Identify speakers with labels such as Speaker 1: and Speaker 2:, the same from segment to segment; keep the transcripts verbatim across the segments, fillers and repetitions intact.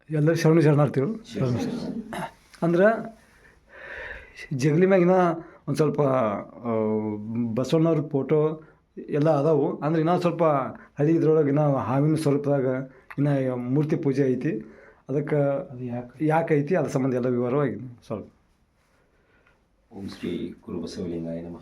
Speaker 1: ಎಲ್ಲರೂ ಶರಣು ಶರಣಾರ್ಥಿಗಳು. ಅಂದ್ರೆ ಜಗಲಿ ಮ್ಯಾಗಿನ ಒಂದು ಸ್ವಲ್ಪ ಬಸವಣ್ಣವ್ರ ಫೋಟೋ ಎಲ್ಲ ಅದಾವು. ಅಂದ್ರೆ ಇನ್ನೂ ಸ್ವಲ್ಪ ಹಳಿ ಇದ್ರೊಳಗೆ ಇನ್ನೂ ಹಾವಿನ ಸ್ವರೂಪದಾಗ ಇನ್ನು ಮೂರ್ತಿ ಪೂಜೆ ಐತಿ. ಅದಕ್ಕೆ ಅದು ಯಾಕೆ ಯಾಕೆ ಐತಿ ಅದ್ರ ಸಂಬಂಧ ಎಲ್ಲ ವಿವರವಾಗಿ ಸ್ವಲ್ಪ.
Speaker 2: ಓಂ ಶ್ರೀ ಗುರು ಬಸವಲಿಂಗಾಯ ನಮಃ.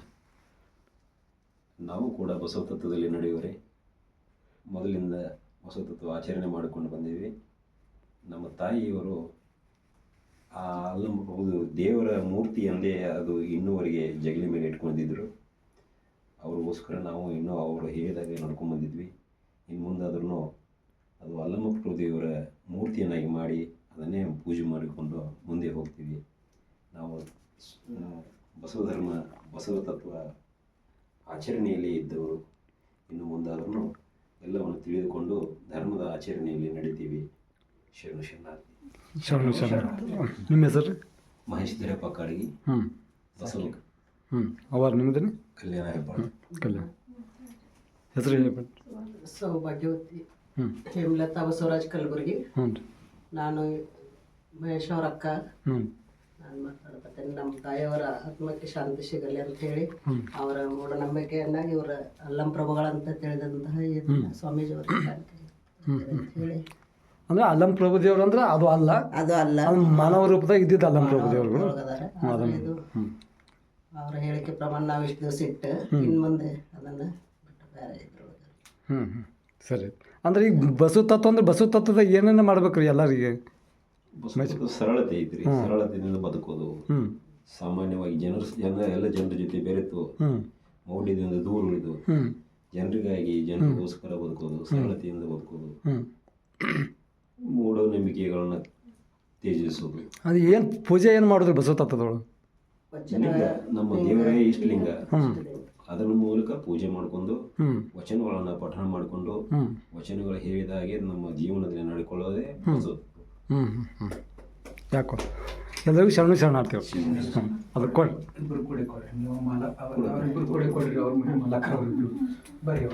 Speaker 2: ನಾವು ಕೂಡ ಬಸವ ತತ್ವದಲ್ಲಿ ನಡೆಯುವರೆ ಮೊದಲಿಂದ ಬಸವ ತತ್ವ ಆಚರಣೆ ಮಾಡಿಕೊಂಡು ಬಂದೀವಿ. ನಮ್ಮ ತಾಯಿಯವರು ಆ ಅಲ್ಲಂಬುದು ದೇವರ ಮೂರ್ತಿ ಎಂದೇ ಅದು ಇನ್ನೂವರೆಗೆ ಜಗಲಿ ಮೇಲೆ ಇಟ್ಕೊಂಡಿದ್ದರು. ಅವ್ರಿಗೋಸ್ಕರ ನಾವು ಇನ್ನೂ ಅವರು ಹೇಳಿದಾಗೆ ನಡ್ಕೊಂಡ್ಬಂದಿದ್ವಿ. ಇನ್ನು ಮುಂದಾದ್ರೂ ಅದು ಅಲ್ಲಮ್ಮ ದೇವರ ಮೂರ್ತಿಯನ್ನಾಗಿ ಮಾಡಿ ಅದನ್ನೇ ಪೂಜೆ ಮಾಡಿಕೊಂಡು ಮುಂದೆ ಹೋಗ್ತೀವಿ. ನಾವು ಬಸವ ಧರ್ಮ ಬಸವ ತತ್ವ ಆಚರಣೆಯಲ್ಲಿ ಇದ್ದವರು. ಇನ್ನು ಮುಂದಾದ್ರೂ ಎಲ್ಲವನ್ನು ತಿಳಿದುಕೊಂಡು ಧರ್ಮದ ಆಚರಣೆಯಲ್ಲಿ ನಡೀತೀವಿ. ಶರಣ ಶರಣಾರ್ಥಿ.
Speaker 1: ಶರಣ ಶರಣ. ನಿಮ್ಮ ಹೆಸರು?
Speaker 2: ಮಹೇಶ್ ಧೀರಪ್ಪ ಕಾಡಗಿ.
Speaker 1: ಹ್ಞೂ
Speaker 2: ಬಸವ
Speaker 1: ಹ್ಞೂ ಅವಾರ ನಿಮ್ಮದೇನೆ?
Speaker 2: ಕಲ್ಯಾಣ ಹೆಬ್ಬಾಳ.
Speaker 1: ಕಲ್ಯಾಣ. ಹೆಸರು ಹೇಳ್ಬಿಟ್ಟು.
Speaker 3: ಸೌಭಾಗ್ಯವತಿ.
Speaker 1: ಹ್ಞೂ
Speaker 3: ಹೇಮಲತಾ ಬಸವರಾಜ್ ಕಲಬುರ್ಗಿ.
Speaker 1: ಹ್ಞೂ ರೀ.
Speaker 3: ನಾನು ಮಹೇಶ್ ಅವ್ರ ಅಕ್ಕ.
Speaker 1: ಹ್ಞೂ
Speaker 3: ನಾನು ಮಾತಾಡ್ತೇನೆ. ನಮ್ಮ ತಾಯಿಯವರ ಆತ್ಮಕ್ಕೆ ಶಾಂತಿ ಸಿಗಲಿ ಅಂತ ಹೇಳಿ
Speaker 1: ಹ್ಞೂ
Speaker 3: ಅವರ ಮೂಢನಂಬಿಕೆಯನ್ನಾಗಿ ಇವರ ಅಲ್ಲಂ ಪ್ರಭುಗಳಂತ ತಿಳಿದಂತಹ ಈ ಸ್ವಾಮೀಜಿಯವರ ಹೇಳಿ.
Speaker 1: ಅಂದ್ರೆ ಅಲ್ಲಂ ಪ್ರಭು ದೇವ್ರು ಅಂದ್ರೆ ಅದು ಅಲ್ಲ,
Speaker 3: ಅದು ಅಲ್ಲ,
Speaker 1: ಅದು ಮಾನವ ರೂಪದಾಗ ಇದ್ದಿದ್ದು ಅಲ್ಲಂ ಪ್ರಭು ದೇವ್ರುಗಳು.
Speaker 3: ಇದು ಅವರ ಹೇಳಿಕೆ ಪ್ರಮಾಣ ನಾವು ಇಷ್ಟು ದಿವಸ ಇಟ್ಟು ಇನ್ನು ಮುಂದೆ ಅದನ್ನು ಬಿಟ್ಟು ಬೇರೆ ಇದ್ರೊಳಗೆ.
Speaker 1: ಹ್ಞೂ ಹ್ಞೂ ಸರಿ. ಅಂದ್ರೆ ಈಗ ಬಸವ ತತ್ವ ಅಂದ್ರೆ ಬಸವ ತತ್ವದಾಗ ಏನೇನು ಮಾಡ್ಬೇಕು ರೀ ಎಲ್ಲರಿಗೆ?
Speaker 2: ಬಸವ ಸರಳತೆ ಐತ್ರಿ. ಸರಳತೆಯಿಂದ ಬದುಕೋದು,
Speaker 1: ಹ್ಞೂ
Speaker 2: ಸಾಮಾನ್ಯವಾಗಿ ಜನರ ಜನ ಎಲ್ಲ ಜನರ ಜೊತೆ ಬೆರೆತು
Speaker 1: ಹ್ಞೂ
Speaker 2: ಮೌಢ್ಯದಿಂದ ದೂರ ಉಳಿದು
Speaker 1: ಹ್ಞೂ
Speaker 2: ಜನರಿಗಾಗಿ ಜನರಿಗೋಸ್ಕರ ಬದುಕೋದು, ಸರಳತೆಯಿಂದ ಬದುಕೋದು,
Speaker 1: ಹ್ಞೂ
Speaker 2: ಮೂಢನಂಬಿಕೆಗಳನ್ನ ತ್ಯಜಿಸೋದು.
Speaker 1: ಅದು ಏನು ಪೂಜೆ ಏನು ಮಾಡಿದ್ರು ಬಸವ ತತ್ವದೊಳಗೆ?
Speaker 2: ಲಿಂಗ ನಮ್ಮ ದೇವರೇ ಇಷ್ಟಲಿಂಗ,
Speaker 1: ಹ್ಞೂ
Speaker 2: ಅದರ ಮೂಲಕ ಪೂಜೆ ಮಾಡಿಕೊಂಡು
Speaker 1: ಹ್ಞೂ
Speaker 2: ವಚನಗಳನ್ನು ಪಠಣ ಮಾಡಿಕೊಂಡು
Speaker 1: ಹ್ಞೂ
Speaker 2: ವಚನಗಳು ಹೇಳಿದ ಹಾಗೆ ನಮ್ಮ ಜೀವನದಲ್ಲಿ ನಡ್ಕೊಳ್ಳೋದೇ ಬಸವ.
Speaker 1: ಹ್ಞೂ ಹ್ಞೂ ಹ್ಞೂ ಯಾಕೋ ಎಲ್ಲರಿಗೂ ಶರಣು ಶರಣಾರ್ಥಿಗಳು. ಹ್ಞೂ ಅದು ಕೊಡಿ.
Speaker 4: ಇಬ್ಬರು ಕೂಡಿ ಕೊಡ್ರಿ. ನೀವು ಮಾಲ ಅವರಿಬ್ಬರು ಕೂಡಿ ಕೊಡ್ರಿ. ಅವ್ರ ಮನೆ ಮಲಕ ಅವರಿಬ್ಬರು ಬರೆಯುವ.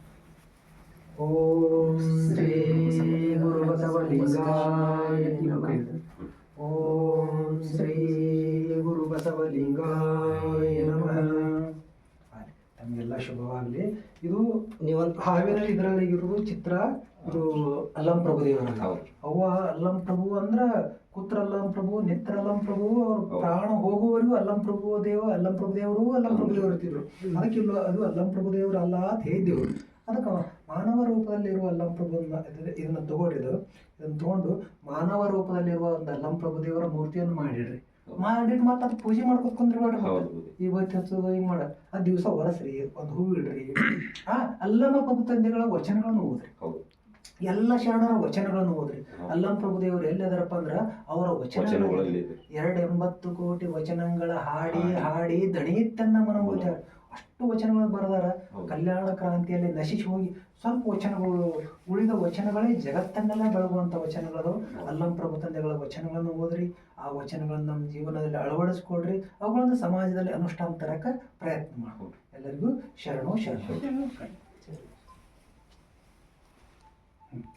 Speaker 4: ಓಂ ಶ್ರೀ ಗುರು ಬಸವಲಿಂಗಾಯ ನಮಃ. ಓಂ ಶ್ರೀ ಗುರು ಬಸವಲಿಂಗಾಯ ನಮಃ. ತಮಗೆಲ್ಲ ಶುಭವಾಗಲಿ. ಇದು
Speaker 3: ನೀವಂತ
Speaker 4: ಹಾವಿನ ಇದರಲ್ಲಿ ಇರೋದು ಚಿತ್ರ. ಇದು ಅಲ್ಲಂ ಪ್ರಭು ದೇವರ. ಅವ್ವ ಅಲ್ಲಂ ಪ್ರಭು ಅಂದ್ರ ಕುತ್ರ ಅಲ್ಲಂ ಪ್ರಭು, ನಿತ್ರ ಅಲ್ಲಂ ಪ್ರಭು. ಅವ್ರ ಪ್ರಾಣ ಹೋಗುವವರೆಗೂ ಅಲ್ಲಂ ಪ್ರಭು ದೇವ ಅಲ್ಲಂ ಪ್ರಭು ದೇವರು ಅಲ್ಲಂ ಪ್ರಭು ದೇವರು ಇರ್ತಿದ್ರು. ಅದಕ್ಕೆ ಇಲ್ಲ ಅದು ಅಲ್ಲಂ ಪ್ರಭು ದೇವರು ಅಲ್ಲ ಅಂತ ಹೇಳಿದ್ದೆವು. ಅದಕ್ಕೆ ಮಾನವ ರೂಪದಲ್ಲಿರುವ ಅಲ್ಲಂ ಪ್ರಭು ಇದನ್ನ ತಗೊಂಡಿದ್ದು ಇದನ್ನ ತಗೊಂಡು ಮಾನವ ರೂಪದಲ್ಲಿರುವ ಒಂದು ಅಲ್ಲಂ ಪ್ರಭು ದೇವರ ಮೂರ್ತಿಯನ್ನು ಮಾಡಿಡ್ರಿ. ಮಾಡಿಟ್ಟು ಮತ್ತೆ ಅದು ಪೂಜೆ ಮಾಡ್ಕೊತ ಕುಂದ್ರಿ. ಇವತ್ತು ಹಚ್ಚೋದು ಹಿಂಗೆ ಮಾಡ ಆ ದಿವಸ ಒರೆಸ್ರಿ, ಒಂದು ಹೂ ಇಡ್ರಿ. ಆ ಅಲ್ಲಮ ಪ್ರಭು ತಂದೆಗಳ ವಚನಗಳನ್ನು ಓದ್ರಿ. ಎಲ್ಲ ಶರಣರ ವಚನಗಳನ್ನು ಓದ್ರಿ. ಅಲ್ಲಂ ಪ್ರಭು ದೇವರು ಎಲ್ಲಿದಾರಪ್ಪ ಅಂದ್ರ ಅವರ ವಚನಗಳಲ್ಲಿ ಎರಡು ಎಂಬತ್ತು ಕೋಟಿ ವಚನಗಳ ಹಾಡಿ ಹಾಡಿ ದಣಿತನ್ನ ಮನ ಓದ್ಯಾರ. ಅಷ್ಟು ವಚನಗಳು ಬರೆದಾರ. ಕಲ್ಯಾಣ ಕ್ರಾಂತಿಯಲ್ಲಿ ನಶಿಸಿ ಹೋಗಿ ಸ್ವಲ್ಪ ವಚನಗಳು ಉಳಿದ ವಚನಗಳೇ ಜಗತ್ತನ್ನೆಲ್ಲ ಬೆಳಗುವಂಥ ವಚನಗಳು. ಅಲ್ಲಂ ಪ್ರಭು ತಂದೆಗಳ ವಚನಗಳನ್ನು ಓದ್ರಿ. ಆ ವಚನಗಳನ್ನು ನಮ್ಮ ಜೀವನದಲ್ಲಿ ಅಳವಡಿಸ್ಕೊಡ್ರಿ. ಅವುಗಳನ್ನು ಸಮಾಜದಲ್ಲಿ ಅನುಷ್ಠಾನ ತರಕ ಪ್ರಯತ್ನ ಮಾಡ್ಕೊಡ್ರಿ. ಎಲ್ಲರಿಗೂ ಶರಣು ಶರಣ.